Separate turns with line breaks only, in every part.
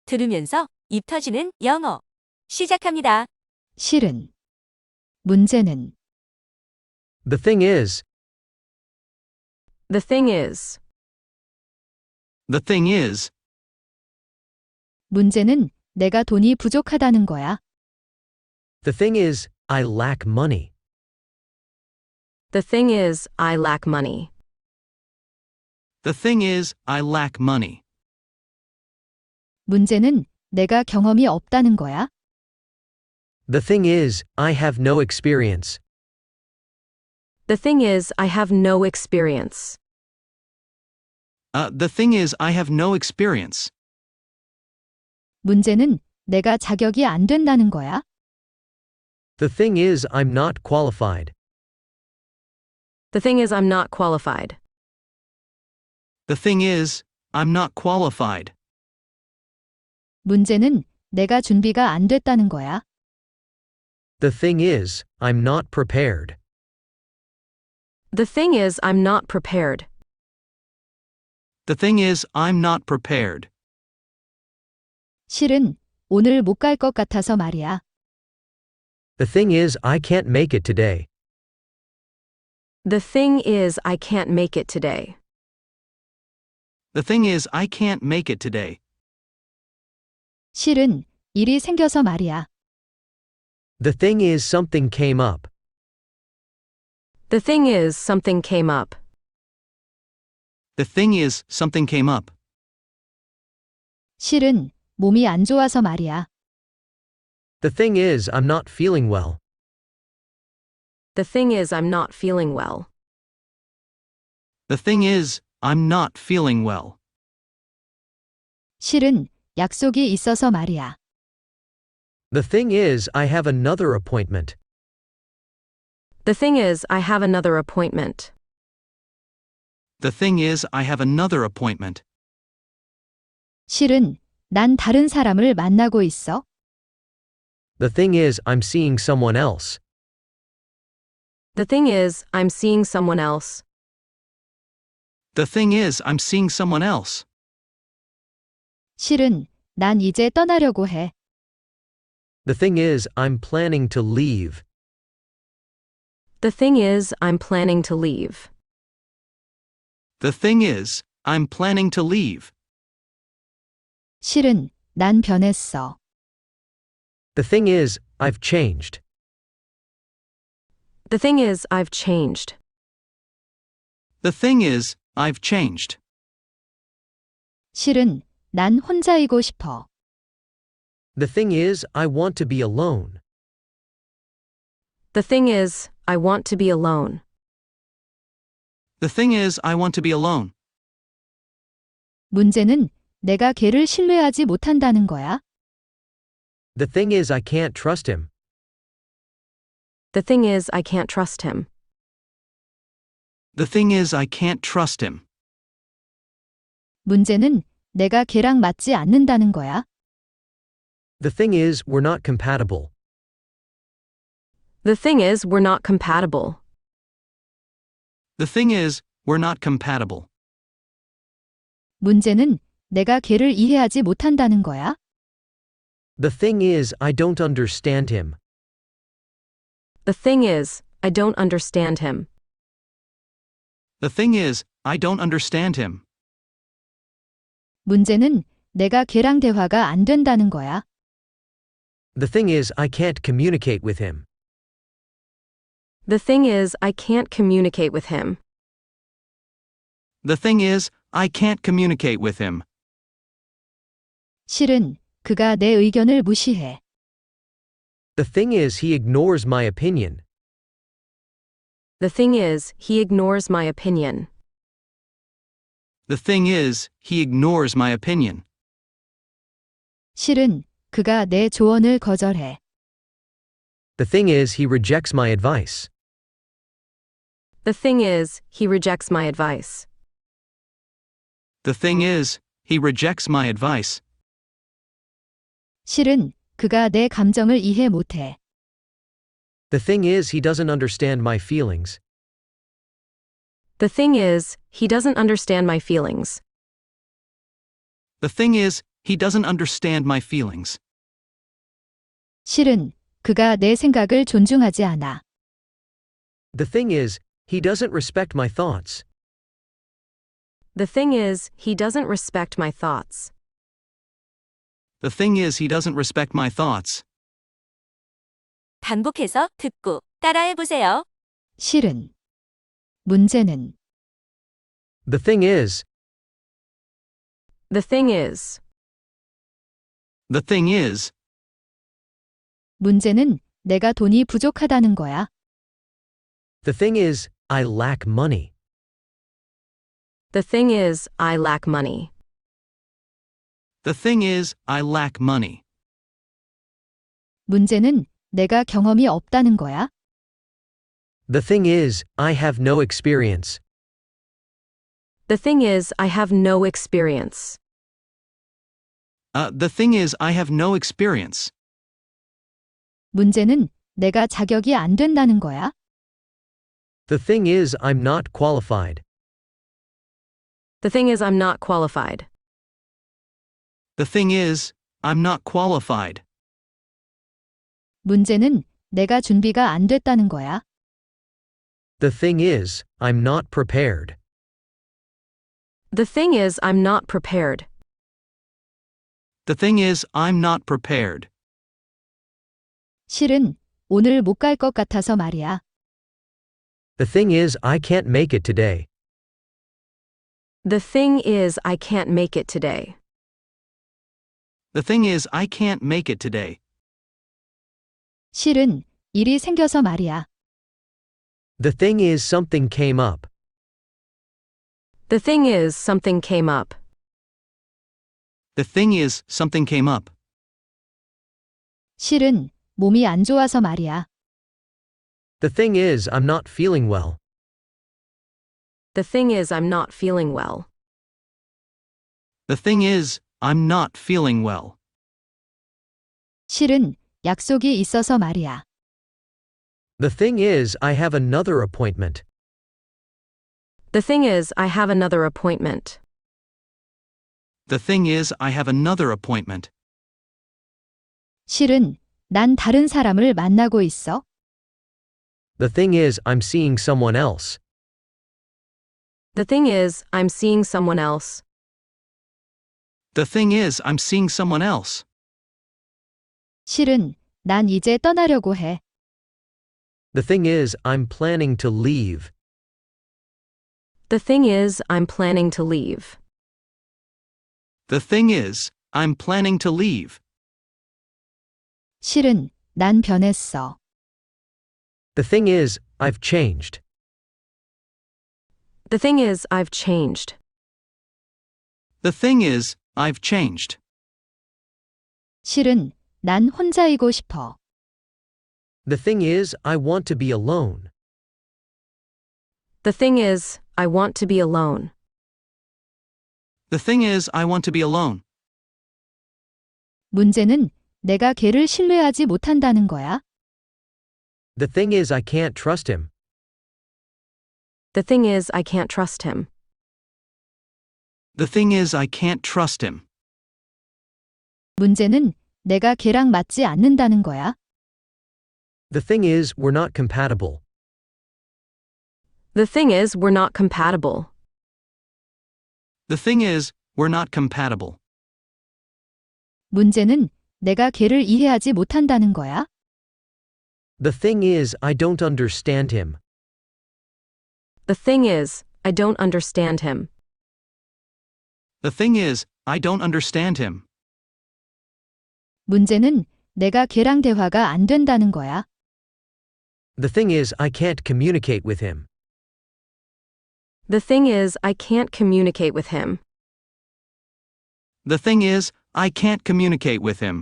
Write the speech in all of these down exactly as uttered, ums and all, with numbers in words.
들으면서 입 터지는 영어. 시작합니다.
실은. 문제는.
The thing is,
The thing is.
The thing is,
문제는 내가 돈이 부족하다는 거야.
the thing is, I lack money.
The thing is, I lack money.
the thing is, I lack money.
문제는 내가 경험이 없다는 거야.
The thing is, I have no experience.
The thing is, I have no experience.
Uh, the thing is, I have no experience.
문제는 내가 자격이 안 된다는 거야.
The thing is, I'm not qualified.
The thing is, I'm not qualified.
The thing is, I'm not qualified.
문제는 내가 준비가 안 됐다는 거야.
The thing is, I'm not prepared.
The thing is, I'm not prepared.
The thing is, I'm not prepared.
실은 오늘 못 갈 것 같아서 말이야.
The thing is, I can't make it today.
The thing is, I can't make it today.
The thing is, I can't make it today.
실은 일이 생겨서 말이야.
The thing is, something came up.
The thing is, something came up.
The thing is, something came up.
실은 몸이 안 좋아서 말이야.
The thing is, I'm not feeling well.
The thing is, I'm not feeling well.
The thing is, I'm not feeling well.
실은 약속이 있어서 말이야.
The thing is, I have another appointment.
The thing is, I have another appointment.
The thing is, I have another appointment.
실은 난 다른 사람을 만나고 있어.
The thing is, I'm seeing someone else.
The thing is, I'm seeing someone else.
The thing is, I'm seeing someone else.
실은 난 이제 떠나려고 해.
The thing is, I'm planning to leave.
The thing is, I'm planning to leave.
The thing is, I'm planning to leave.
실은 난 변했어.
The thing is, I've changed.
The thing is, I've changed.
The thing is, I've changed.
실은 난 혼자이고 싶어.
The thing is, I want to be alone.
The thing is, I want to be alone.
The thing is, I want to be alone.
문제는 내가 걔를 신뢰하지 못한다는 거야.
The thing is, I can't trust him.
The thing is, I can't trust him.
The thing is, I can't trust him.
문제는 내가 걔랑 맞지 않는다는 거야.
The thing is, we're not compatible.
The thing is, we're not compatible.
The thing is, we're not compatible.
문제는 내가 걔를 이해하지 못한다는 거야.
The thing is, I don't understand him.
The thing is, I don't understand him.
The thing is, I don't understand him.
문제는 내가 걔랑 대화가 안 된다는 거야.
The thing is, I can't communicate with him.
The thing is, I can't communicate with him.
The thing is, I can't communicate with him.
실은 그가 내 의견을 무시해.
The thing is, he ignores my opinion.
The thing is, he ignores my opinion.
The thing is, he ignores my opinion.
실은 그가 내 조언을 거절해.
The thing is, he rejects my advice.
The thing is, he rejects my advice.
The thing is, he rejects my advice.
실은 그가 내 감정을 이해 못해.
The thing is, he doesn't understand my feelings.
The thing is, he doesn't understand my feelings.
The thing is, he doesn't understand my feelings.
실은 그가 내 생각을 존중하지 않아.
The thing is, he doesn't respect my thoughts.
The thing is, he doesn't respect my thoughts.
The thing is, he doesn't respect my thoughts.
반복해서 듣고 따라해보세요.
실은 문제는
The thing is,
The thing is,
The thing is,
문제는 내가 돈이 부족하다는 거야.
the thing is, I lack money.
the thing is, I lack money.
The thing is, I lack money.
문제는 내가 경험이 없다는 거야.
The thing is, I have no experience.
The thing is, I have no experience.
Uh, the thing is, I have no experience.
문제는 내가 자격이 안 된다는 거야.
The thing is, I'm not qualified.
The thing is, I'm not qualified.
The thing is, I'm not qualified.
문제는 내가 준비가 안 됐다는 거야.
The thing is, I'm not prepared.
The thing is, I'm not prepared.
The thing is, I'm not prepared.
실은 오늘 못 갈 것 같아서 말이야.
The thing is, I can't make it today.
The thing is, I can't make it today.
The thing is, I can't make it today.
실은 일이 생겨서 말이야.
The thing is, something came up.
The thing is, something came up.
The thing is, something came up.
실은 몸이 안 좋아서 말이야.
The thing is, I'm not feeling well.
The thing is, I'm not feeling well.
The thing is, I'm not feeling well.
실은 약속이 있어서 말이야.
The thing is, I have another appointment.
The thing is, I have another appointment.
The thing is, I have another appointment.
실은 난 다른 사람을 만나고 있어.
The thing is, I'm seeing someone else.
The thing is, I'm seeing someone else.
The thing is, I'm seeing someone else.
실은 난 이제 떠나려고 해.
The thing is, I'm planning to leave.
The thing is, I'm planning to leave.
The thing is, I'm planning to leave.
실은 난 변했어.
The thing is, I've changed.
The thing is, I've changed.
The thing is, I've changed.
실은 난 혼자이고 싶어.
The thing is, I want to be alone.
The thing is, I want to be alone.
The thing is, I want to be alone.
문제는 내가 걔를 신뢰하지 못한다는 거야.
The thing is, I can't trust him.
The thing is, I can't trust him.
The thing is, I can't trust him.
문제는 내가 걔랑 맞지 않는다는 거야.
The thing is, we're not compatible.
The thing is, we're not compatible.
The thing is, we're not compatible.
문제는 내가 걔를 이해하지 못한다는 거야.
The thing is, I don't understand him.
The thing is, I don't understand him.
The thing is, I don't understand him.
문제는 내가 걔랑 대화가 안 된다는 거야.
The thing is, I can't communicate with him.
The thing is, I can't communicate with him.
The thing is, I can't communicate with him.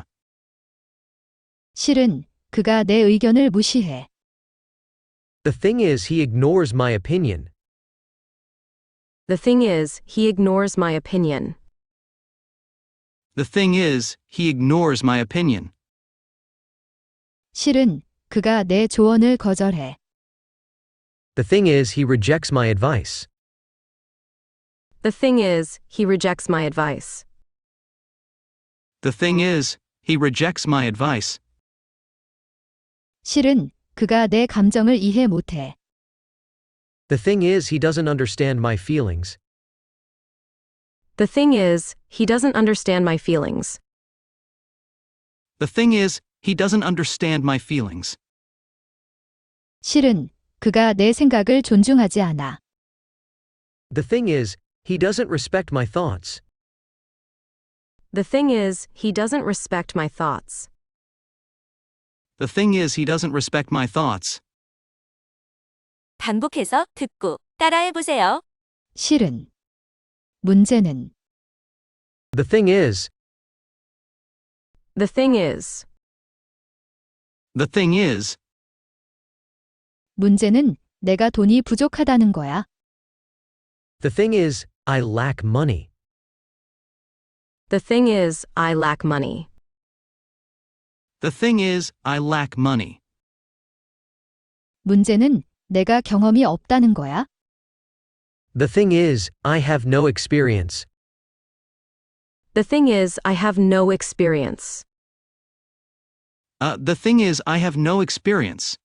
실은 그가 내 의견을 무시해.
The thing is, he ignores my opinion.
The thing is, he ignores my opinion.
The thing is, he ignores my opinion.
실은 그가 내 조언을 거절해.
The thing is, he rejects my advice.
The thing is, he rejects my advice.
The thing is, he rejects my advice.
실은 그가 내 감정을 이해 못해.
The thing is, he doesn't understand my feelings.
The thing is, he doesn't understand my feelings.
The thing is, he doesn't understand my feelings.
실은 그가 내 생각을 존중하지 않아.
The thing is, he doesn't respect my thoughts.
The thing is, he doesn't respect my thoughts.
The thing is, he doesn't respect my thoughts.
반복해서 듣고 따라해 보세요.
실은 문제는
The thing is,
The thing is,
The thing is,
문제는 내가 돈이 부족하다는 거야.
the thing is, I lack money.
the thing is, I lack money.
the thing is, I lack money.
문제는 내가 경험이 없다는 거야.
The thing is, I have no experience.
The thing is, I have no experience.
Uh, the thing is, I have no experience.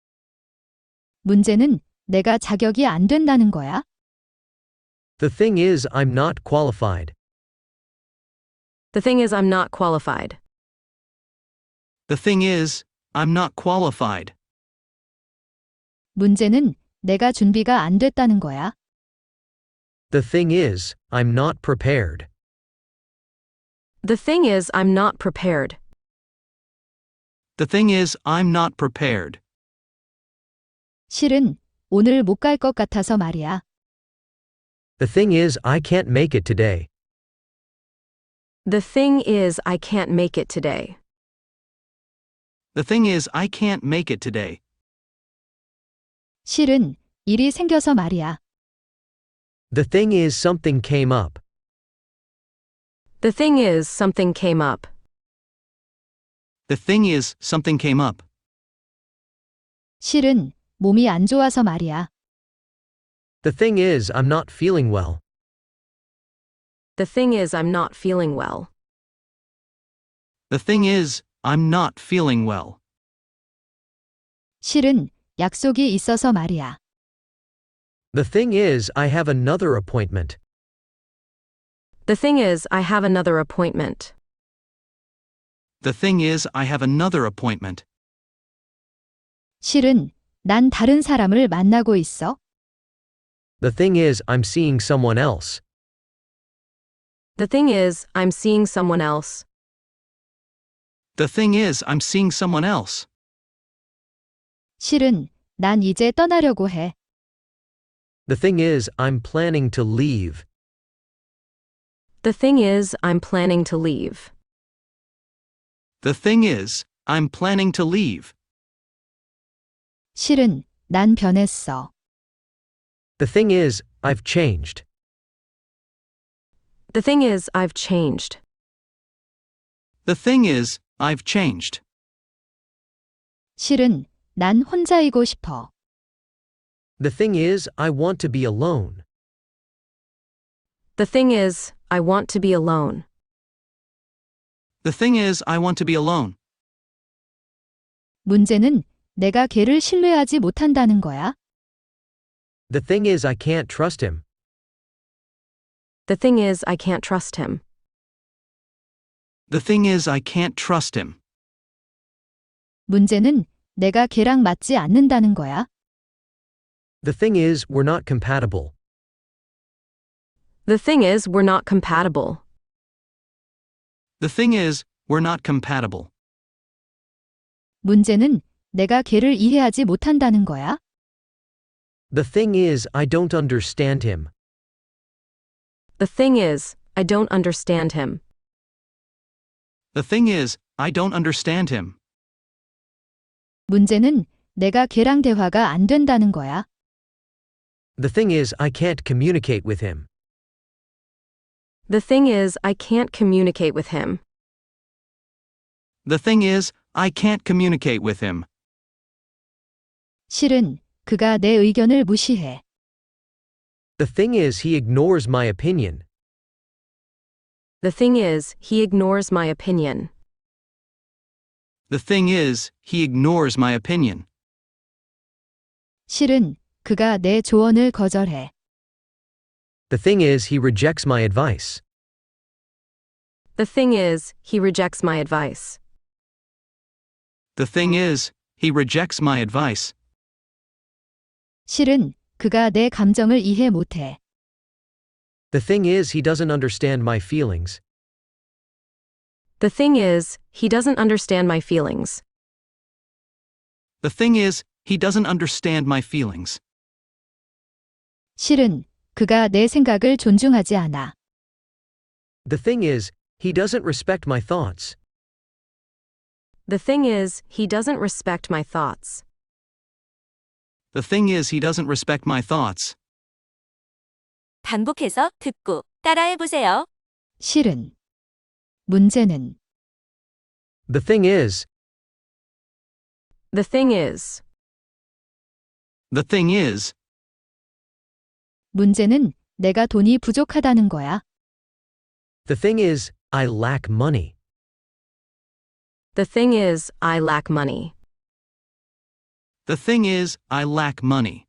문제는 내가 자격이 안 된다는 거야.
The thing is, I'm not qualified.
The thing is, I'm not qualified.
The thing is, I'm not qualified.
문제는 내가 준비가 안 됐다는 거야.
The thing is, I'm not prepared.
The thing is, I'm not prepared.
The thing is, I'm not prepared.
실은 오늘 못 갈 것 같아서 말이야.
The thing is, I can't make it today.
The thing is, I can't make it today.
The thing is, I can't make it today.
실은 일이 생겨서 말이야.
The thing is, something came up.
The thing is, something came up.
The thing is, something came up.
실은 몸이 안 좋아서 말이야.
The thing is, I'm not feeling well.
The thing is, I'm not feeling well.
The thing is, I'm not feeling well.
실은 약속이 있어서 말이야.
The thing is, I have another appointment.
The thing is, I have another appointment.
The thing is, I have another appointment.
실은 난 다른 사람을 만나고 있어.
The thing is, I'm seeing someone else.
The thing is, I'm seeing someone else.
The thing is, I'm seeing someone else.
실은 난 이제 떠나려고 해.
The thing is, I'm planning to leave.
The thing is, I'm planning to leave.
The thing is, I'm planning to leave.
실은 난 변했어.
The thing is, I've changed.
The thing is, I've changed.
The thing is, I've changed.
실은 난 혼자이고 싶어.
The thing is, I want to be alone.
The thing is, I want to be alone.
The thing is, I want to be alone.
문제는 내가 걔를 신뢰하지 못한다는 거야.
The thing is, I can't trust him.
The thing is, I can't trust him.
The thing is, I can't trust him.
문제는 내가 걔랑 맞지 않는다는 거야.
The thing is, we're not compatible.
The thing is, we're not compatible.
The thing is, we're not compatible.
문제는 내가 걔를 이해하지 못한다는 거야.
The thing is, I don't understand him.
The thing is, I don't understand him.
The thing is, I don't understand him.
문제는 내가 걔랑 대화가 안 된다는 거야.
The thing is, I can't communicate with him.
The thing is, I can't communicate with him.
The thing is, I can't communicate with him.
실은 그가 내 의견을 무시해.
The thing is, he ignores my opinion.
The thing is, he ignores my opinion.
The thing is, he ignores my opinion.
실은 그가 내 조언을 거절해.
The thing is, he rejects my advice.
The thing is, he rejects my advice.
The thing is, he rejects my advice.
실은 그가 내 감정을 이해 못해.
The thing is, he doesn't understand my feelings.
The thing is, he doesn't understand my feelings.
The thing is, he doesn't understand my feelings.
실은 그가 내 생각을 존중하지 않아.
The thing is, he doesn't respect my thoughts.
The thing is, he doesn't respect my thoughts.
The thing is, he doesn't respect my thoughts.
반복해서 듣고 따라해보세요.
실은 문제는
The thing is,
The thing is,
The thing is,
문제는 내가 돈이 부족하다는 거야.
the thing is, I lack money.
the thing is, I lack money.
The thing is, I lack money.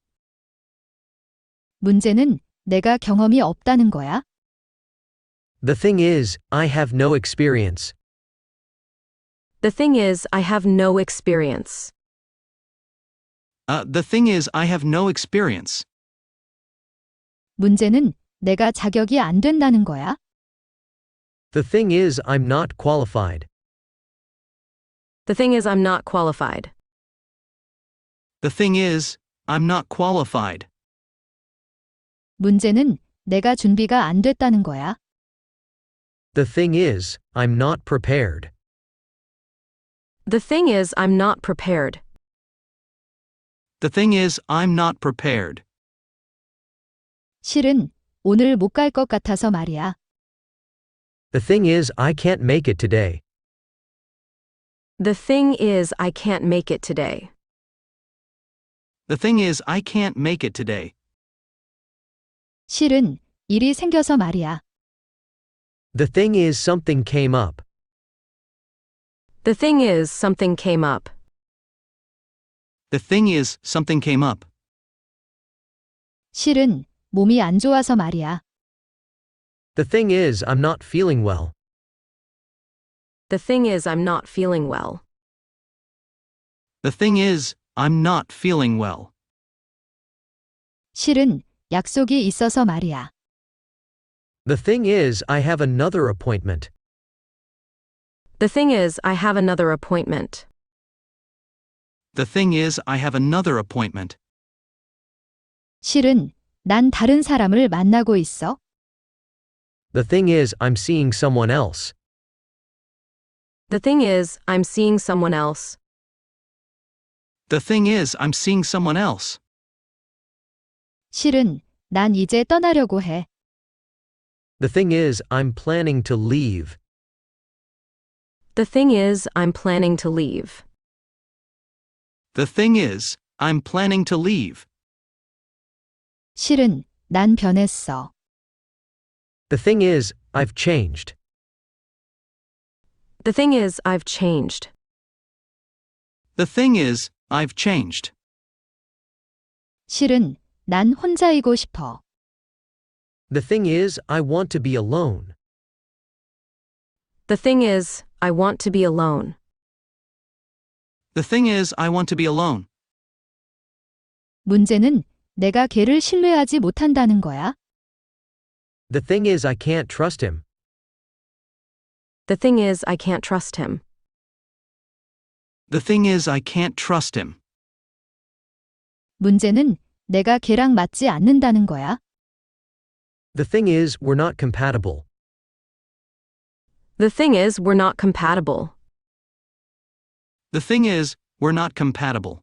문제는 내가 경험이 없다는 거야.
The thing is, I have no experience.
The thing is, I have no experience.
Uh, the thing is, I have no experience.
문제는 내가 자격이 안 된다는 거야.
The thing is, I'm not qualified.
The thing is, I'm not qualified.
The thing is, I'm not qualified.
문제는 내가 준비가 안 됐다는 거야.
The thing is, I'm not prepared.
The thing is, I'm not prepared.
The thing is, I'm not prepared.
실은 오늘 못 갈 것 같아서 말이야.
The thing is, I can't make it today.
The thing is, I can't make it today.
The thing is, I can't make it today.
실은 일이 생겨서 말이야.
The thing is, something came up.
The thing is, something came up.
The thing is, something came up.
실은 몸이 안 좋아서 말이야.
The thing is, I'm not feeling well.
The thing is, I'm not feeling well.
The thing is, I'm not feeling well.
실은 약속이 있어서 말이야.
The thing is, I have another appointment.
The thing is, I have another appointment.
The thing is, I have another appointment.
실은 난 다른 사람을 만나고 있어.
The thing is, I'm seeing someone else.
The thing is, I'm seeing someone else.
The thing is, I'm seeing someone else.
실은 난 이제 떠나려고 해.
The thing is, I'm planning to leave.
The thing is, I'm planning to leave.
The thing is, I'm planning to leave.
실은 난 변했어.
The thing is, I've changed.
The thing is, I've changed.
The thing is, I've changed.
실은 난 혼자이고 싶어.
The thing is, I want to be alone.
The thing is, I want to be alone.
The thing is, I want to be alone.
문제는 내가 걔를 신뢰하지 못한다는 거야.
The thing is, I can't trust him.
The thing is, I can't trust him.
The thing is, I can't trust him.
문제는 내가 걔랑 맞지 않는다는 거야.
The thing is, we're not compatible.
The thing is, we're not compatible.
The thing is, we're not compatible.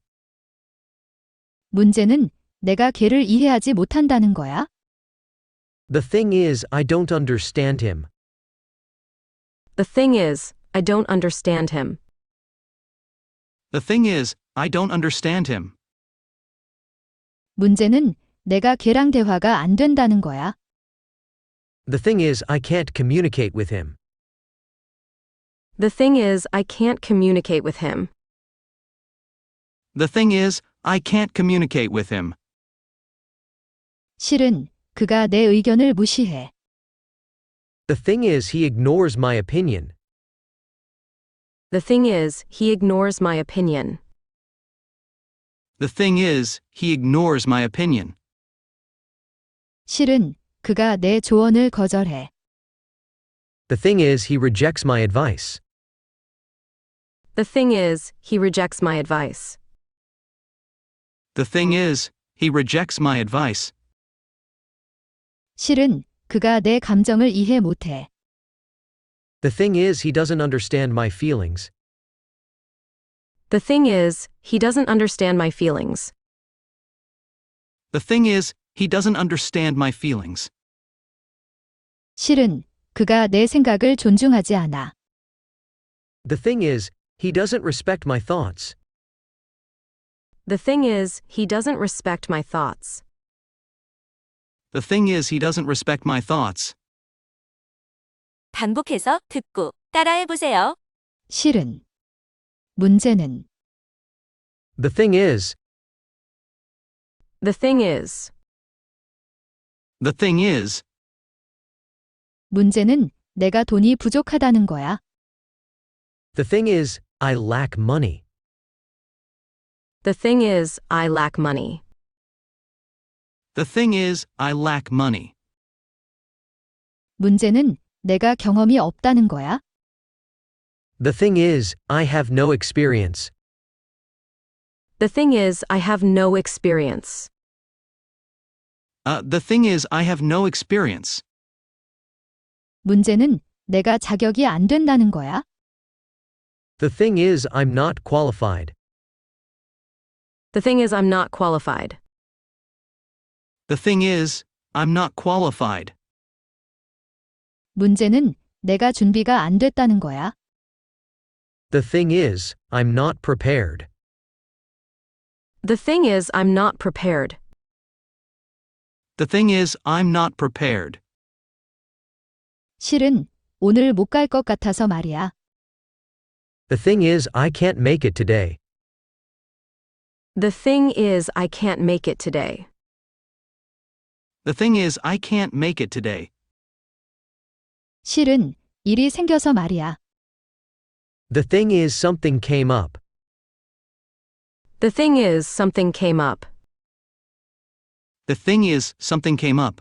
문제는 내가 걔를 이해하지 못한다는 거야.
The thing is, I don't understand him.
The thing is, I don't understand him.
The thing is, I don't understand him.
문제는 내가 걔랑 대화가 안 된다는 거야.
The thing is, I can't communicate with him.
The thing is, I can't communicate with him.
The thing is, I can't communicate with him.
실은 그가 내 의견을 무시해.
The thing is, he ignores my opinion.
The thing is, he ignores my opinion.
The thing is, he ignores my opinion.
실은 그가 내 조언을 거절해.
The thing is, he rejects my advice.
The thing is, he rejects my advice.
The thing is, he rejects my advice.
실은 그가 내 감정을 이해 못해.
The thing is, he doesn't understand my feelings.
The thing is, he doesn't understand my feelings.
The thing is, he doesn't understand my feelings.
실은 그가 내 생각을 존중하지 않아.
The thing is, he doesn't respect my thoughts.
The thing is, he doesn't respect my thoughts.
The thing is, he doesn't respect my thoughts.
반복해서 듣고 따라해 보세요.
실은 문제는
The thing is,
The thing is,
The thing is,
문제는 내가 돈이 부족하다는 거야.
the thing is, I lack money.
the thing is, I lack money.
The thing is, I lack money.
문제는 내가 경험이 없다는 거야.
The thing is, I have no experience.
The thing is, I have no experience.
Uh, the thing is, I have no experience.
문제는 내가 자격이 안 된다는 거야.
The thing is, I'm not qualified.
The thing is, I'm not qualified.
The thing is, I'm not qualified.
문제는 내가 준비가 안 됐다는 거야.
The thing is, I'm not prepared.
The thing is, I'm not prepared.
The thing is, I'm not prepared.
실은 오늘 못 갈 것 같아서 말이야.
The thing is, I can't make it today.
The thing is, I can't make it today.
The thing is, I can't make it today.
실은 일이 생겨서 말이야.
The thing is, something came up.
The thing is, something came up.
The thing is, something came up.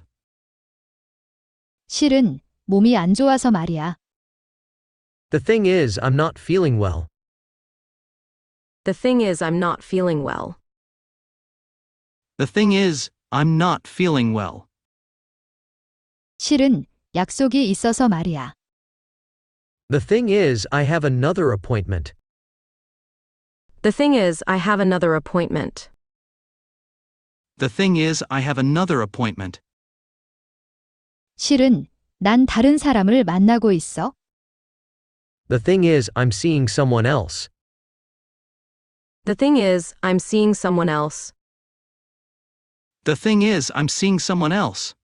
실은 몸이 안 좋아서 말이야.
The thing is, I'm not feeling well.
The thing is, I'm not feeling well.
The thing is, I'm not feeling well.
실은 약속이 있어서 말이야.
The thing is, I have another appointment.
The thing is, I have another appointment.
The thing is, I have another appointment.
실은 난 다른 사람을 만나고 있어.
The thing is, I'm seeing someone else.
The thing is, I'm seeing someone else.
The thing is, I'm seeing someone else.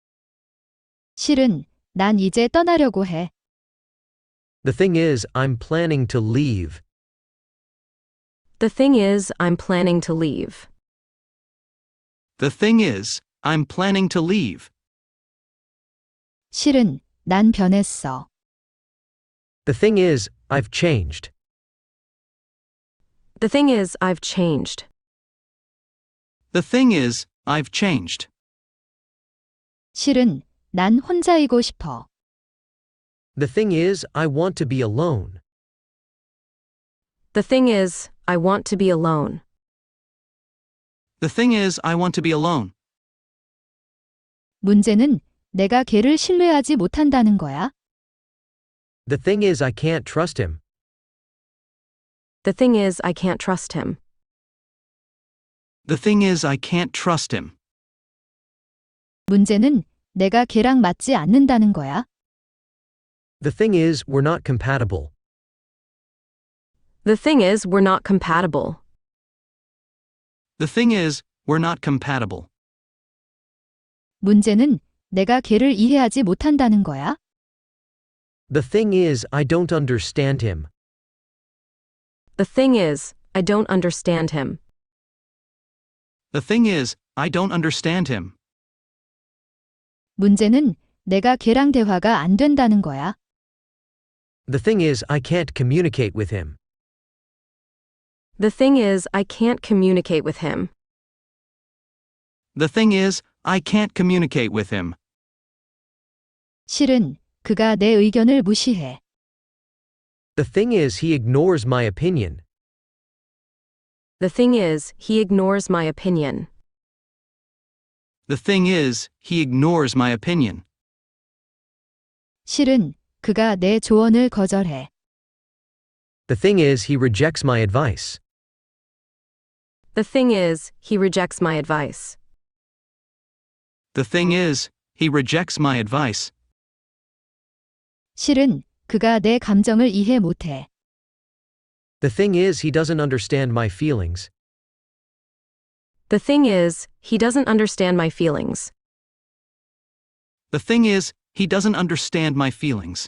실은 난 이제 떠나려고 해.
The thing is, I'm planning to leave.
The thing is, I'm planning to leave.
The thing is, I'm planning to leave.
실은 난 변했어.
The thing is, I've changed.
The thing is, I've changed.
The thing is, I've changed.
실은 난 혼자이고 싶어.
The thing is, I want to be alone.
The thing is, I want to be alone.
The thing is, I want to be alone.
문제는 내가 걔를 신뢰하지 못한다는 거야.
The thing is, I can't trust him.
The thing is, I can't trust him.
The thing is, I can't trust him.
문제는 내가 걔랑 맞지 않는다는 거야.
The thing is, we're not compatible.
The thing is, we're not compatible.
The thing is, we're not compatible.
문제는 내가 걔를 이해하지 못한다는 거야?
The thing is, I don't understand him.
The thing is, I don't understand him.
The thing is, I don't understand him.
문제는 내가 걔랑 대화가 안 된다는 거야.
The thing is, I can't communicate with him.
The thing is, I can't communicate with him.
The thing is, I can't communicate with him.
실은 그가 내 의견을 무시해.
The thing is, he ignores my opinion.
The thing is, he ignores my opinion.
The thing is, he ignores my opinion.
실은 그가 내 조언을 거절해.
The thing is, he rejects my advice.
The thing is, he rejects my advice.
The thing is, he rejects my advice.
실은 그가 내 감정을 이해 못해.
The thing is, he doesn't understand my feelings.
The thing is, he doesn't understand my feelings.
The thing is, he doesn't understand my feelings.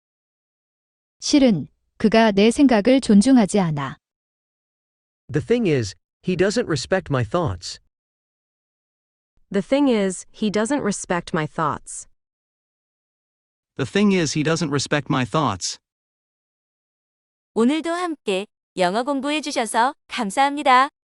실은 그가 내 생각을 존중하지 않아.
The thing is, he doesn't respect my thoughts.
The thing is, he doesn't respect my thoughts.
The thing is, he doesn't respect my thoughts.
오늘도 함께 영어 공부해 주셔서 감사합니다.